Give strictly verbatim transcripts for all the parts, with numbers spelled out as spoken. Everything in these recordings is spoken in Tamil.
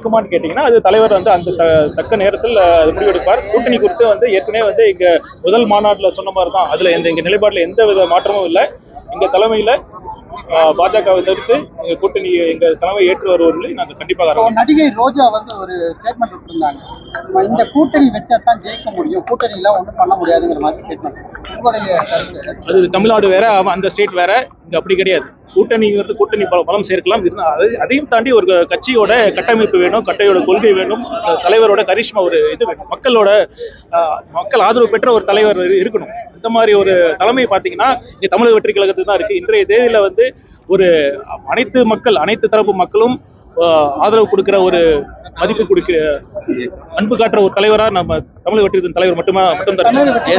இருக்குமான்னு கேட்டீங்கன்னா அது தலைவர் வந்து அந்த தக்க நேரத்தில் அது முடிவெடுப்பார். கூட்டணி குறித்து வந்து ஏற்கனவே வந்து இங்க முதல் மாநாட்டில் சொன்ன மாதிரி தான். அதுல எந்த எங்க நிலைப்பாட்டில் எந்த வித மாற்றமும் இல்லை. எங்க தலைமையில பாஜகவை தவிர்த்து எங்க கூட்டணி எங்க தலைமை ஏற்று வருவதில்லை. நாங்கள் கண்டிப்பாக. நடிகை ரோஜா வந்து ஒரு ஸ்டேட்மெண்ட் விட்டுருந்தாங்க, இந்த கூட்டணி வச்சா தான் ஜெயிக்க முடியும், கூட்டணிலாம் ஒன்றும் பண்ண முடியாதுங்கிற மாதிரி ஸ்டேட்மெண்ட். உங்களுடைய அது தமிழ்நாடு வேற, அந்த ஸ்டேட் வேற. இங்க அப்படி கிடையாது. கூட்டணிங்கிறது கூட்டணி பலம் சேர்க்கலாம். அதையும் தாண்டி ஒரு கட்சியோட கட்டமைப்பு வேணும், கட்டையோட கொள்கை வேணும், தலைவரோட கரிஷ்மா ஒரு இது வேணும், மக்களோட மக்கள் ஆதரவு பெற்ற ஒரு தலைவர் இருக்கணும். இந்த மாதிரி ஒரு தலைமை பார்த்தீங்கன்னா இங்க தமிழக வெற்றி கழகத்துக்கு தான் இருக்கு. இன்றைய தேதியில வந்து ஒரு அனைத்து மக்கள் அனைத்து தரப்பு மக்களும் ஆதரவு கொடுக்கிற ஒரு மதிப்பு கொடுக்கிற அன்பு காட்டுற ஒரு தலைவரா நம்ம தமிழக வெற்றி தலைவர் மட்டுமே மட்டும்தான்.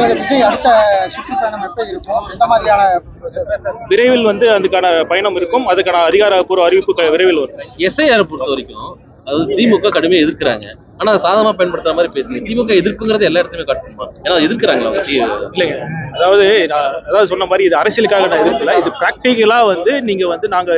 விரைவில் வந்து அதுக்கான பயணம் இருக்கும். அதுக்கான அதிகாரப்பூர்வ அறிவிப்பு விரைவில் வரும். எஸ்ஐஆர் பொறுத்த வரைக்கும் அது திமுக கடுமையாக எதிர்க்கிறாங்க. ஆனா சாதகமா பயன்படுத்துற மாதிரி பேசுங்க. திமுக எதிர்ப்புங்கிறது எல்லா இடத்துலயுமே காட்டணுமா? ஏன்னா எதிர்க்கிறாங்களா இல்லைங்க. அதாவது அதாவது சொன்ன மாதிரி இது அரசியலுக்காக நான் எதிர்க்கல. இது பிராக்டிகலா வந்து நீங்க வந்து நாங்க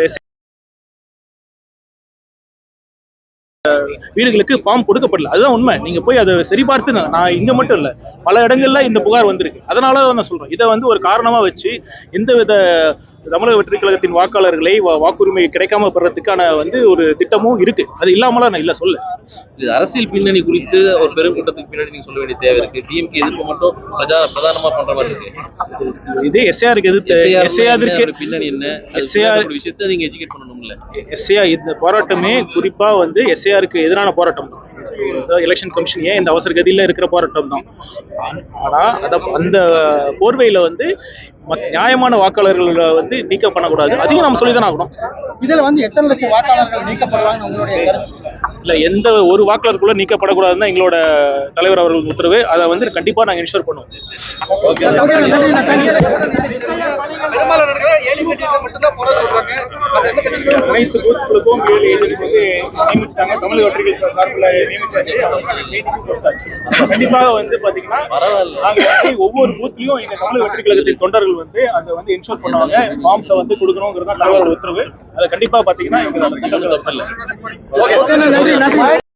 வீடுகளுக்கு ஃபார்ம் கொடுக்கப்படல. அதுதான் உண்மை. நீங்க போய் அதை சரிபார்த்து, நான் இங்க மட்டும் இல்ல பல இடங்கள்ல இந்த புகார் வந்திருக்கு. அதனால நான் சொல்றேன், இதை வந்து ஒரு காரணமா வச்சு எந்தவித தமிழக வெற்றி கழகத்தின் வாக்காளர்களை வாக்குரிமை கிடைக்காம பெறதுக்கான வந்து ஒரு திட்டமும் இருக்கு. அது இல்லாமலாம் நான் இல்ல சொல்ல. இது அரசியல் பின்னணி குறித்து ஒரு பெரும் கூட்டத்துக்கு பின்னாடி நீங்க சொல்ல வேண்டிய தேவை இருக்கு. டிஎம்கே எதிர்ப்பு மட்டும் பிரதானமா பண்ற மாதிரி இருக்கு. இது எஸ்ஏஆருக்கு எதிர்த்து எஸ்ஏஆருக்கு பின்னணி என்ன, எஸ்ஏஆர் விஷயத்தை நீங்க எஜுகேட் பண்ணணும்ல. எஸ்ஏஆர் இந்த போராட்டமே குறிப்பா வந்து எஸ்ஏஆருக்கு எதிரான போராட்டம் தான். எலெக்ஷன் கமிஷன் ஏன் இந்த அவசர கதியில இருக்கிற போராட்டம் தான். ஆனா அத அந்த போர்வையில வந்து நியாயமான வாக்காளர்கள் வந்து நீக்கம் பண்ணக்கூடாது. அதையும் நம்ம சொல்லிதான் ஆகணும். இதுல வந்து எத்தனை லட்சம் வாக்காளர்கள் நீக்கப்படுவாங்க உங்களுடைய கருத்து? இல்ல, எந்த ஒரு வாக்காளருக்குள்ள நீக்கப்படக்கூடாதுன்னு எங்களோட தலைவர் அவர்கள் உத்தரவு. அதை வந்து கண்டிப்பா நாங்க இன்ஷூர் பண்ணுவோம். அனைத்து பூத்துகளுக்கும் ஏழு ஏஜென்சி வந்து நியமிச்சாங்க. தமிழக வெற்றிகள் சார்பில் நியமிச்சாச்சு. கண்டிப்பாக வந்து பாத்தீங்கன்னா நாங்க வந்து ஒவ்வொரு பூத்லயும் எங்க தமிழக வெற்றி கழகத்தின் தொண்டர்கள் வந்து அதை வந்து இன்ஷூர் பண்ணுவாங்க. ஃபார்ம்ஸை வந்து கொடுக்கணுங்கிறது தான் தலைவர் உத்தரவு. அதை கண்டிப்பா பாத்தீங்கன்னா எங்களுக்கு தப்பு இல்லை.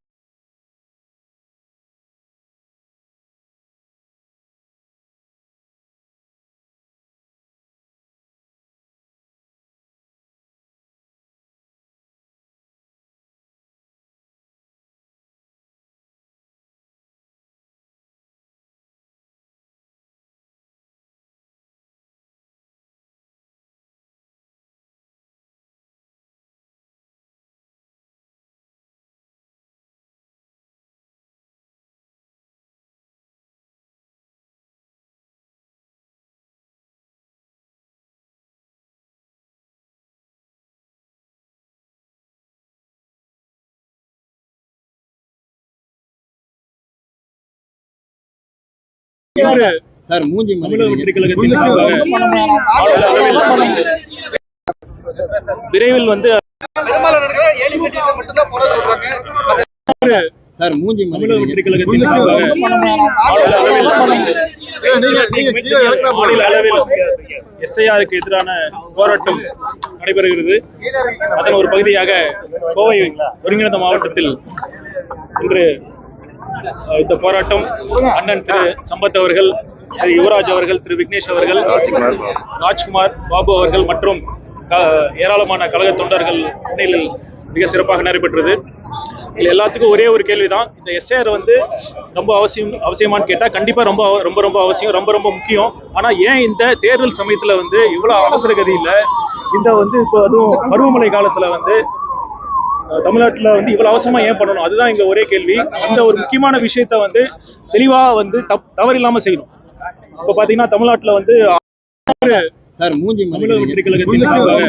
சார் மூஞ்சி விரைவில் வந்து சார் மூஞ்சி தமிழக வெற்றி கழகத்தின் மாநில அளவில் எஸ்ஐஆருக்கு எதிரான போராட்டம் நடைபெறுகிறது. அதன் ஒரு பகுதியாக கோவை ஒருங்கிணைந்த மாவட்டத்தில் இன்று இந்த போராட்டம் அண்ணன் திரு சம்பத் அவர்கள், திரு யுவராஜ் அவர்கள், திரு விக்னேஷ் அவர்கள், ராஜ்குமார், பாபு அவர்கள் மற்றும் ஏராளமான கழக தொண்டர்கள் முன்னிலையில் மிக சிறப்பாக நடைபெற்றது. இது எல்லாத்துக்கும் ஒரே ஒரு கேள்விதான், இந்த எஸ்ஏஆர் வந்து ரொம்ப அவசியம் அவசியமானு கேட்டால் கண்டிப்பாக ரொம்ப ரொம்ப ரொம்ப அவசியம், ரொம்ப ரொம்ப முக்கியம். ஆனால் ஏன் இந்த தேர்தல் சமயத்தில் வந்து இவ்வளோ அவசர கதியில் இந்த வந்து இப்போ அதுவும் பருவமழை காலத்தில் வந்து தமிழ்நாட்டில் வந்து இவ்வளவு அவசரமா ஏன் பண்ணணும்? அதுதான் இங்க ஒரே கேள்வி. அந்த ஒரு முக்கியமான விஷயத்த வந்து தெளிவா வந்து தவறு இல்லாம செய்யணும். இப்ப பாத்தீங்கன்னா தமிழ்நாட்டுல வந்து தமிழக வெற்றி கழகத்தின்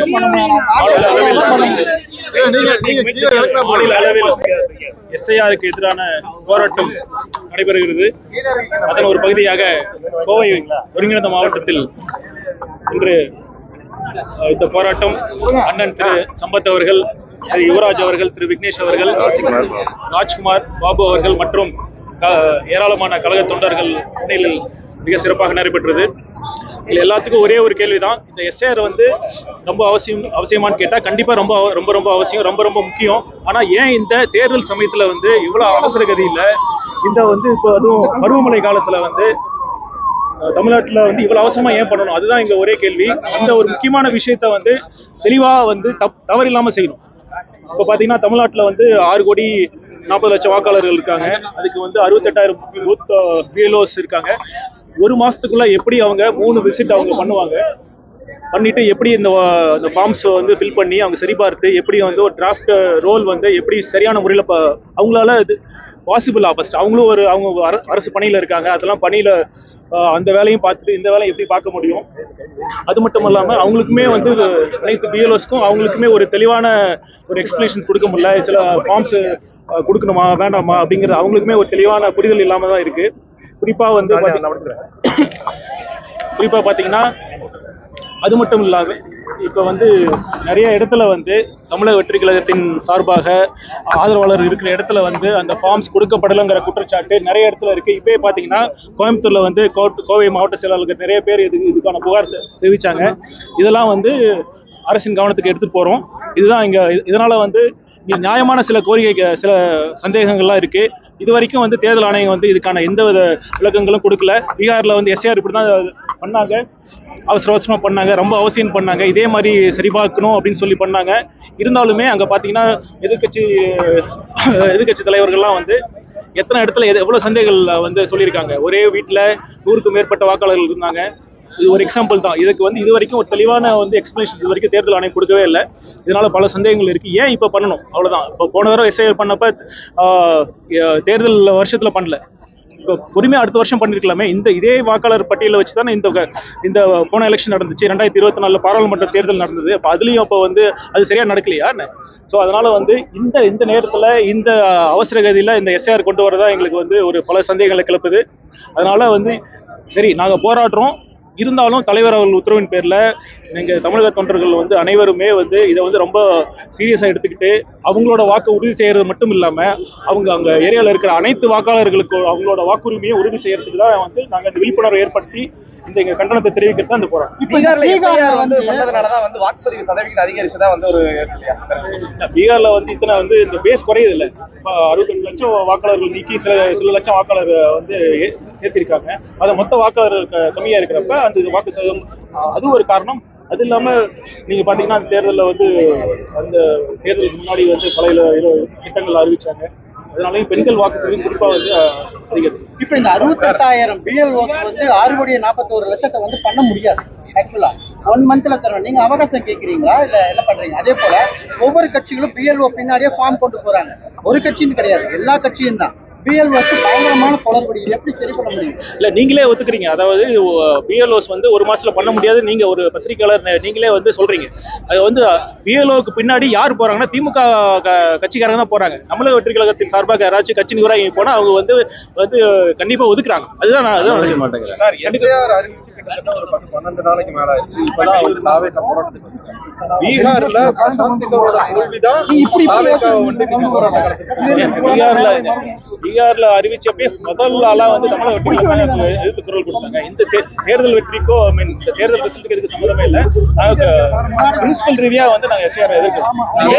மாநில அளவில் எஸ்ஐஆருக்கு எதிரான போராட்டம் நடைபெறுகிறது. அதன் ஒரு பகுதியாக கோவை ஒருங்கிணைந்த மாவட்டத்தில் இன்று இந்த போராட்டம் அண்ணன் திரு சம்பத் அவர்கள், திரு யுவராஜ் அவர்கள், திரு விக்னேஷ் அவர்கள், ராஜ்குமார், பாபு அவர்கள் மற்றும் ஏராளமான கழக தொண்டர்கள் முன்னிலையில் மிக சிறப்பாக நடைபெற்றது. இல்லை எல்லாத்துக்கும் ஒரே ஒரு கேள்விதான், இந்த எஸ்ஐஆர் வந்து ரொம்ப அவசியம் அவசியமானு கேட்டால் கண்டிப்பாக ரொம்ப ரொம்ப ரொம்ப அவசியம், ரொம்ப ரொம்ப முக்கியம். ஆனால் ஏன் இந்த தேர்தல் சமயத்தில் வந்து இவ்வளோ அவசர கதியில் இந்த வந்து இப்போ அதுவும் பருவமழை காலத்தில் வந்து தமிழ்நாட்டில் வந்து இவ்வளோ அவசரமாக ஏன் பண்ணணும், அதுதான் இங்கே ஒரே கேள்வி. அந்த ஒரு முக்கியமான விஷயத்த வந்து தெளிவாக வந்து தப் தவறு இல்லாமல் செய்யணும். இப்போ பார்த்தீங்கன்னா தமிழ்நாட்டில் வந்து ஆறு கோடி நாற்பது லட்சம் வாக்காளர்கள் இருக்காங்க. அதுக்கு வந்து அறுபத்தெட்டாயிரம் பூத் பிஎல்ஓஸ் இருக்காங்க. ஒரு மாசத்துக்குள்ள எப்படி அவங்க மூணு விசிட் அவங்க பண்ணுவாங்க, பண்ணிட்டு எப்படி இந்த இந்த ஃபார்ம்ஸ் வந்து ஃபில் பண்ணி அவங்க சரிபார்த்து எப்படி வந்து ஒரு டிராஃப்ட் ரோல் வந்து எப்படி சரியான முறையில் அவங்களால இது பாசிபிளா ஃபர்ஸ்ட் அவங்களும் ஒரு அவங்க அரசு பணியில் இருக்காங்க, அதெல்லாம் பணியில் அந்த வேலையும் பார்த்துட்டு இந்த வேலையும் எப்படி பார்க்க முடியும். அது மட்டும் இல்லாமல் அவங்களுக்குமே வந்து அனைத்து பிஎல்ஓஸ்க்கும் அவங்களுக்குமே ஒரு தெளிவான ஒரு எக்ஸ்பிளேஷன்ஸ் கொடுக்க முடியல. சில ஃபார்ம்ஸ் கொடுக்கணுமா வேண்டாமா அப்படிங்கிற அவங்களுக்குமே ஒரு தெளிவான புரிதல் இல்லாமல் தான் இருக்கு. குறிப்பாக வந்து குறிப்பாக பார்த்தீங்கன்னா அது மட்டும் இல்லாமல் இப்போ வந்து நிறைய இடத்துல வந்து தமிழக வெற்றி கழகத்தின் சார்பாக ஆதரவாளர் இருக்கிற இடத்துல வந்து அந்த ஃபார்ம்ஸ் கொடுக்கப்படலைங்கிற குற்றச்சாட்டு நிறைய இடத்துல இருக்குது. இப்போயே பார்த்தீங்கன்னா கோயம்புத்தூரில் வந்து கோவை மாவட்ட செயலாளர்கள் நிறைய பேர் இது இதுக்கான புகார் தெரிவித்தாங்க. இதெல்லாம் வந்து அரசின் கவனத்துக்கு எடுத்துகிட்டு போகிறோம். இதுதான் இங்கே இதனால் வந்து இங்கே நியாயமான சில கோரிக்கை சில சந்தேகங்கள்லாம் இருக்குது. இது வரைக்கும் வந்து தேர்தல் ஆணையம் வந்து இதுக்கான எந்த வித விளக்கங்களும் கொடுக்கல. பீகாரில் வந்து எஸ்ஐஆர் இப்படி தான் பண்ணாங்க, அவசர அவசரமாக பண்ணாங்க, ரொம்ப அவசியம் பண்ணாங்க, இதே மாதிரி சரிபார்க்கணும் அப்படின்னு சொல்லி பண்ணாங்க. இருந்தாலுமே அங்கே பார்த்தீங்கன்னா எதிர்கட்சி எதிர்கட்சி தலைவர்கள்லாம் வந்து எத்தனை இடத்துல எது எவ்வளோ சந்தேகங்கள் வந்து சொல்லியிருக்காங்க. ஒரே வீட்டில் நூறுக்கும் மேற்பட்ட வாக்காளர்கள் இருந்தாங்க. இது ஒரு எக்ஸாம்பிள் தான். இதுக்கு வந்து இது வரைக்கும் ஒரு தெளிவான வந்து எக்ஸ்பிளேஷன் இது வரைக்கும் தேர்தல் ஆணையம் கொடுக்கவே இல்லை. இதனால பல சந்தேகங்கள் இருக்கு. ஏன் இப்போ பண்ணணும், அவ்வளோதான். இப்போ போன தடவை எஸ்ஐஆர் பண்ணப்ப தேர்தல் வருஷத்துல பண்ணல, இப்போ பொறுமையாக அடுத்த வருஷம் பண்ணிருக்கலாமே. இந்த இதே வாக்காளர் பட்டியலை வச்சு தானே இந்த இந்த போன எலெக்ஷன் நடந்துச்சு. ரெண்டாயிரத்தி இருபத்தி நாலுல பாராளுமன்ற தேர்தல் நடந்தது. அப்போ அதுலேயும் அப்போ வந்து அது சரியா நடக்கலையா என்ன? ஸோ அதனால வந்து இந்த இந்த நேரத்தில் இந்த அவசர கதியில் இந்த எஸ்ஐஆர் கொண்டு வரதா எங்களுக்கு வந்து ஒரு பல சந்தேகங்களை கிளப்புது. அதனால வந்து சரி நாங்கள் போராடுறோம், இருந்தாலும் தலைவர் அவர்கள் உத்தரவின் பேரில் எங்கள் தமிழக தொண்டர்கள் வந்து அனைவருமே வந்து இதை வந்து ரொம்ப சீரியஸாக எடுத்துக்கிட்டு அவங்களோட வாக்கு உறுதி செய்கிறது மட்டும் இல்லாமல் அவங்க அங்கே ஏரியாவில் இருக்கிற அனைத்து வாக்காளர்களுக்கு அவங்களோட வாக்குரிமையை உறுதி செய்யறதுக்கு தான் வந்து நாங்கள் இந்த விழிப்புணர்வை ஏற்படுத்தி இந்த எங்கள் கண்டனத்தை தெரிவிக்கிறது தான் இந்த போகிறோம். பீகார்ல வந்து பண்ணதுனாலதான் வந்து வாக்குப்பதிவு சதவீதம் அதிகரிச்சுதான் வந்து ஒரு பீகார்ல வந்து இத்தனை வந்து இந்த பேஸ் குறையுது இல்லை. இப்போ அறுபத்தெட்டு லட்சம் வாக்காளர்கள் நீக்கி சில சில லட்சம் வாக்காளர் வந்து ஏற்றிருக்காங்க. அதை மொத்த வாக்காளர் கம்மியா இருக்கிறப்ப அந்த வாக்கு சதவீதம் அது ஒரு காரணம். அது இல்லாம நீங்க பாத்தீங்கன்னா அந்த தேர்தலில் வந்து அந்த தேர்தலுக்கு முன்னாடி வந்து பல திட்டங்கள் அறிவிச்சாங்க. அதனாலயும் பெண்கள் வாக்கு சதவீதம் குறிப்பா வந்து அதிகரிச்சு. இப்ப இந்த அறுபத்தெட்டாயிரம் பிஎல்ஓஸ் வந்து ஆறு கோடி நாற்பத்தோரு லட்சத்தை வந்து பண்ண முடியாது. ஆக்சுவலா ஒன் மந்த்ல தரணும். நீங்க அவகாசம் கேட்கறீங்களா இல்ல என்ன பண்றீங்க? அதே போல ஒவ்வொரு கட்சிகளும் பிஎல்ஓ பின்னாடியே ஃபார்ம் கொண்டு போறாங்க. ஒரு கட்சின்னு கிடையாது, எல்லா கட்சியும் தான். பிஎல்ஓஸ் பயங்கரமான தொடர்பு எப்படி சரி பண்ண முடியும்? இல்ல நீங்களே ஒத்துக்கிறீங்க. அதாவது பிஎல்ஓஸ் வந்து ஒரு மாசத்துல பண்ண முடியாது. நீங்க ஒரு பத்திரிகையாளர் நீங்களே வந்து சொல்றீங்க. அது வந்து பிஎல்ஓக்கு பின்னாடி யார் போறாங்கன்னா திமுக கட்சிக்காரங்க தான் போறாங்க. தமிழக வெற்றி கழகத்தின் சார்பாக யாராச்சும் கட்சி நிர்வாகி போனா அவங்க வந்து வந்து கண்டிப்பா ஒதுக்குறாங்க. அதுதான் நான் அதுதான் மாட்டேங்கிறேன். பன்னெண்டு நாளைக்கு மேல ஆயிடுச்சு. இப்பதான் வந்து தாவேக போராட்டத்துக்கு பீகார்ல பீகார்ல பீகார்ல அறிவிச்சப்பே முதல் ஆளா வந்து தமிழக வெற்றி கழகம் எதிர்த்து குரல் கொடுத்தாங்க. இந்த தேர்தல் வெற்றிக்கோ ஐ மீன் இந்த தேர்தல் ரிசல்ட்டுக்கு எதுக்கு சம்பந்தமே இல்லை. நாங்க பிரின்சிபல் ரீதியா வந்து நாங்க எஸ்ஐஆர் எதிர்க்கிறோம்.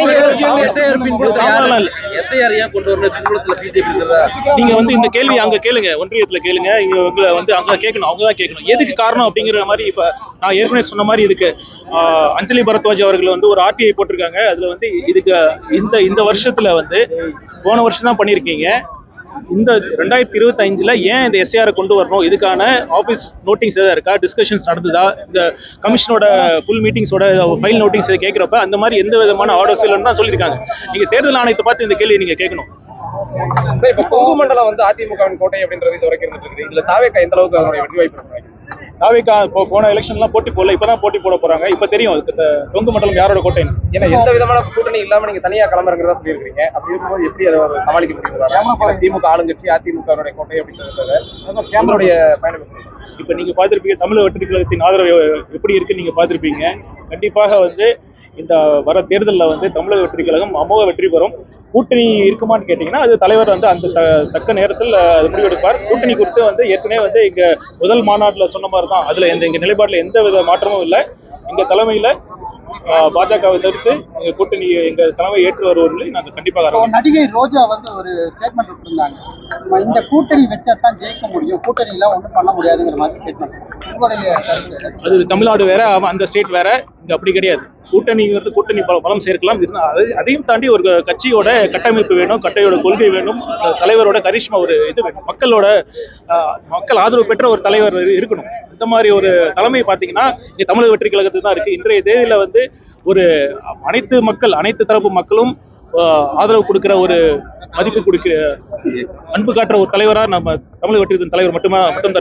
நீங்க வந்து இந்த கேள்வி அங்க கேளுங்க, ஒன்றியத்துல கேளுங்க, இங்க உங்களை வந்து அங்க கேட்கணும், அவங்கதான் கேட்கணும் எதுக்கு காரணம் அப்படிங்கிற மாதிரி. இப்ப நான் ஏற்கனவே சொன்ன மாதிரி இதுக்கு அஞ்சலி பரத்வாஜ் அவர்கள் வந்து ஒரு ஆர்டிஐ போட்டிருக்காங்க. அதுல வந்து இதுக்கு இந்த இந்த வருஷத்துல வந்து போன வருஷம் தான் பண்ணிருக்கீங்க. இந்த ரெண்டாயிரத்தி இருபத்தி அஞ்சுல ஏன் இந்த எஸ்ஐஆர் கொண்டு வரணும், இதுக்கான ஆபீஸ் நோட்டிங்ஸ் ஏதாவது இருக்கா, டிஸ்கஷன்ஸ் நடந்ததா, இந்த கமிஷனோட ஃபுல் மீட்டிங்ஸோட ஃபைல் நோட்டிங்ஸ் கேட்கிறப்ப அந்த மாதிரி எந்த விதமான ஆர்டர்ஸ் இல்லைன்னு தான் சொல்லியிருக்காங்க. நீங்க தேர்தல் ஆணையத்தை பார்த்து இந்த கேள்வி நீங்க கேட்கணும். இப்ப கொங்கு மண்டலம் வந்து அதிமுகவின் கோட்டை அப்படின்றது இது வரைக்கும் இருந்துட்டு இதுல தாவேகா எந்த அளவுக்கு அவங்களுடைய வெற்றி வாய்ப்பு? தாவேகா இப்போ போன எலெக்ஷன்லாம் போட்டி போடல, இப்பதான் போட்டி போட போறாங்க. இப்ப தெரியும் கொங்கு மண்டலம் யாரோட கோட்டைன்னு. ஏன்னா எந்த விதமான கூட்டணி இல்லாம நீங்க தனியா கிளம்புறதா சொல்லியிருக்கீங்க. அப்படி இருக்கும்போது எப்படி அதை சமாளிக்க முடியும்? திமுக ஆளுங்கட்சி அதிமுக கோட்டை அப்படின்றது உங்களுடைய பயணம். இப்போ நீங்க பார்த்திருப்பீங்க தமிழக வெற்றி கழகத்தின் ஆதரவு எப்படி இருக்கு நீங்க பார்த்திருப்பீங்க. கண்டிப்பாக வந்து இந்த வர தேர்தலில் வந்து தமிழக வெற்றி கழகம் அமோக வெற்றி பெறும். கூட்டணி இருக்குமான்னு கேட்டீங்கன்னா அது தலைவர் வந்து அந்த தக்க நேரத்தில் அது முடிவெடுப்பார். கூட்டணி குறித்து வந்து ஏற்கனவே வந்து இங்க முதல் மாநாட்டில் சொன்ன மாதிரி தான். அதுல எந்த எங்க நிலைப்பாட்டில் எந்த வித மாற்றமும் இல்லை. எங்க தலைமையில பாஜகவை தவிர்த்து எங்க கூட்டணி எங்க தலைமை ஏற்று வருவதில்லை. நாங்கள் கண்டிப்பாக நடிகை ரோஜா வந்து ஒரு ஸ்டேட்மெண்ட் விட்டுருந்தாங்க, இந்த கூட்டணி வச்சா தான் ஜெயிக்க முடியும், கூட்டணி எல்லாம் ஒன்றும் பண்ண முடியாதுங்கிற மாதிரி ஸ்டேட்மெண்ட். உங்களுடைய அது தமிழ்நாடு வேற, அந்த ஸ்டேட் வேற. இங்க அப்படி கிடையாது. கூட்டணிங்கிறது கூட்டணி பலம் சேர்க்கலாம். அது அதையும் தாண்டி ஒரு கட்சியோட கட்டமைப்பு வேணும், கட்டையோட கொள்கை வேணும், தலைவரோட கரிஷ்மா ஒரு இது வேணும், மக்களோட மக்கள் ஆதரவு பெற்ற ஒரு தலைவர் இருக்கணும். இந்த மாதிரி ஒரு தலைமை பார்த்தீங்கன்னா இங்கே தமிழக வெற்றி கழகத்துக்கு தான் இருக்கு. இன்றைய தேதியில வந்து ஒரு அனைத்து மக்கள் அனைத்து தரப்பு மக்களும் ஆதரவு கொடுக்கிற ஒரு மதிப்பு கொடுக்கிற அன்பு காட்டுற ஒரு தலைவரா நம்ம தமிழக வெற்றி தலைவர் மட்டுமா மட்டும்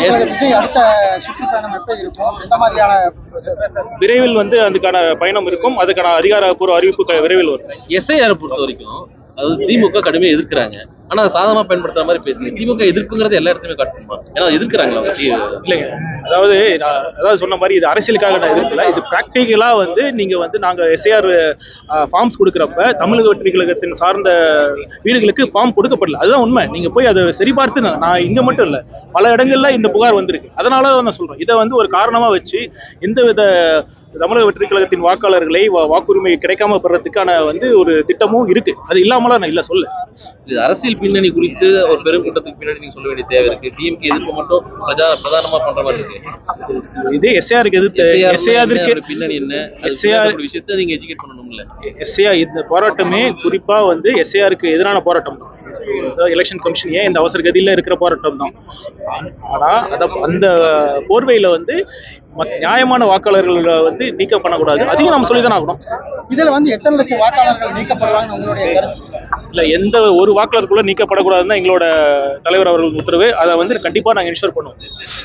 விரைவில் வந்து அதுக்கான பயணம் இருக்கும். அதுக்கான அதிகாரப்பூர்வ அறிவிப்பு விரைவில் வரும். எஸ்ஐஆர் பொறுத்த வரைக்கும் அது திமுக கடுமையாக எதிர்க்கிறாங்க. ஆனா சாதகமா பயன்படுத்துற மாதிரி பேசுறீங்க. திமுக எதிர்ப்புங்கிறது எல்லா இடத்துலயுமே காட்டணுமா? ஏன்னா எதிர்க்கிறாங்களா இல்லைங்க. அதாவது அதாவது சொன்ன மாதிரி இது அரசியலுக்காக நான் எதிர்க்கல. இது பிராக்டிக்கலா வந்து நீங்க வந்து நாங்க எஸ்ஐஆர் ஃபார்ம்ஸ் கொடுக்குறப்ப தமிழக வெற்றி கழகத்தின் சார்ந்த வீடுகளுக்கு ஃபார்ம் கொடுக்கப்படல. அதுதான் உண்மை. நீங்க போய் அதை சரிபார்த்து நான் இங்க மட்டும் இல்ல பல இடங்கள்ல இந்த புகார் வந்திருக்கு. அதனால நான் சொல்றேன் இதை வந்து ஒரு காரணமா வச்சு எந்தவித தமிழக வெற்றி கழகத்தின் வாக்காளர்களை வாக்குரிமை கிடைக்காம பெறதுக்கான வந்து ஒரு திட்டமும் இருக்கு. அது இல்லாமலாம் நான் இல்ல சொல்ல. இது அரசியல் பின்னணி குறித்து ஒரு பெருங்கூட்டத்துக்கு பின்னாடி நீங்க சொல்ல வேண்டிய தேவை இருக்கு. டிஎம்கே எதிர்ப்பு மட்டும் பிரஜா பிரதானமா பண்ற மாதிரி இருக்கு. இது எஸ்ஐஆருக்கு எதிர்த்து எஸ்ஐஆருக்கு பின்னணி என்ன எஸ்ஐஆர் விஷயத்தை நீங்க எஜுகேட் பண்ணணும்ல. எஸ்ஐஆர் இந்த போராட்டமே குறிப்பா வந்து எஸ்ஐஆருக்கு எதிரான போராட்டம் தான். எலெக்ஷன் கமிஷன் ஏன் இந்த அவசர கதியில இருக்கிற போராட்டம் தான். ஆனா அத அந்த போர்வையில வந்து நியாயமான வாக்காளர்கள் வந்து நீக்கம் பண்ணக்கூடாது. அதையும் நம்ம சொல்லிதான் ஆகணும். இதுல வந்து எத்தனை லட்சம் வாக்காளர்கள் நீக்கப்படுவாங்க உங்களுடைய கருத்து? இல்ல எந்த ஒரு வாக்காளருக்குள்ள நீக்கப்படக்கூடாதுன்னு எங்களோட தலைவர் அவர்கள் உத்தரவு. அதை வந்து கண்டிப்பா நாங்க இன்ஷூர் பண்ணுவோம்.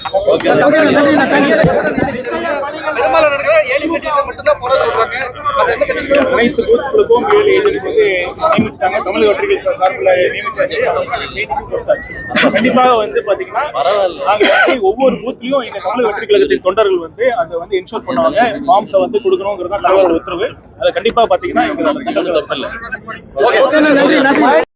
அனைத்து பூத்துகளுக்கும் ஏழு ஏஜென்ட்ஸ் வந்து நியமிச்சாங்க. தமிழக வெற்றி சார்பில் நியமிச்சாச்சு. கண்டிப்பாக வந்து பாத்தீங்கன்னா நாங்க ஒவ்வொரு பூத்லயும் எங்க தமிழக வெற்றி கழகத்தின் தொண்டர்கள் வந்து அதை வந்து இன்ஷூர் பண்ணுவாங்க. ஃபார்ம்ஸை வந்து கொடுக்கணுங்கிறது தான் தலைவரோட உத்தரவு. அதை கண்டிப்பா பாத்தீங்கன்னா எங்களுக்கு தப்பு இல்லை.